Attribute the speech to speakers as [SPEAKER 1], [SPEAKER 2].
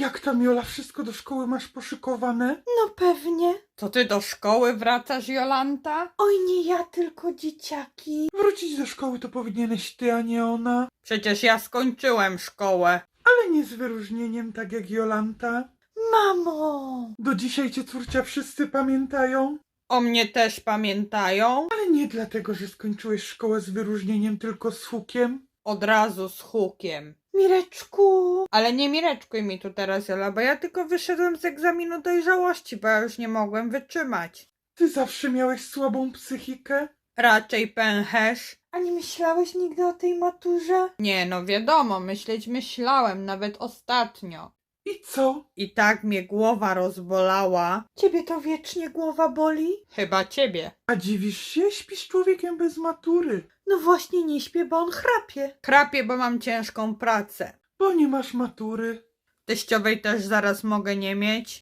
[SPEAKER 1] Jak tam, Jola, wszystko do szkoły masz poszykowane?
[SPEAKER 2] No pewnie.
[SPEAKER 3] To ty do szkoły wracasz, Jolanta?
[SPEAKER 2] Oj, nie ja, tylko dzieciaki.
[SPEAKER 1] Wrócić do szkoły to powinieneś ty, a nie ona.
[SPEAKER 3] Przecież ja skończyłem szkołę.
[SPEAKER 1] Ale nie z wyróżnieniem, tak jak Jolanta.
[SPEAKER 2] Mamo!
[SPEAKER 1] Do dzisiaj cię, córcia, wszyscy pamiętają.
[SPEAKER 3] O mnie też pamiętają?
[SPEAKER 1] Ale nie dlatego, że skończyłeś szkołę z wyróżnieniem, tylko z hukiem.
[SPEAKER 3] Od razu z hukiem.
[SPEAKER 2] Mireczku!
[SPEAKER 3] Ale nie mireczkuj mi tu teraz, Jola, bo ja tylko wyszedłem z egzaminu dojrzałości, bo ja już nie mogłem wytrzymać.
[SPEAKER 1] Ty zawsze miałeś słabą psychikę.
[SPEAKER 3] Raczej pęcherz.
[SPEAKER 2] A nie myślałeś nigdy o tej maturze?
[SPEAKER 3] Nie, no wiadomo, myślałem, nawet ostatnio.
[SPEAKER 1] I co?
[SPEAKER 3] I tak mnie głowa rozbolała.
[SPEAKER 2] Ciebie to wiecznie głowa boli?
[SPEAKER 3] Chyba ciebie.
[SPEAKER 1] A dziwisz się? Śpisz człowiekiem bez matury.
[SPEAKER 2] No właśnie nie śpię, bo on chrapie.
[SPEAKER 3] Chrapię, bo mam ciężką pracę.
[SPEAKER 1] Bo nie masz matury.
[SPEAKER 3] Teściowej też zaraz mogę nie mieć.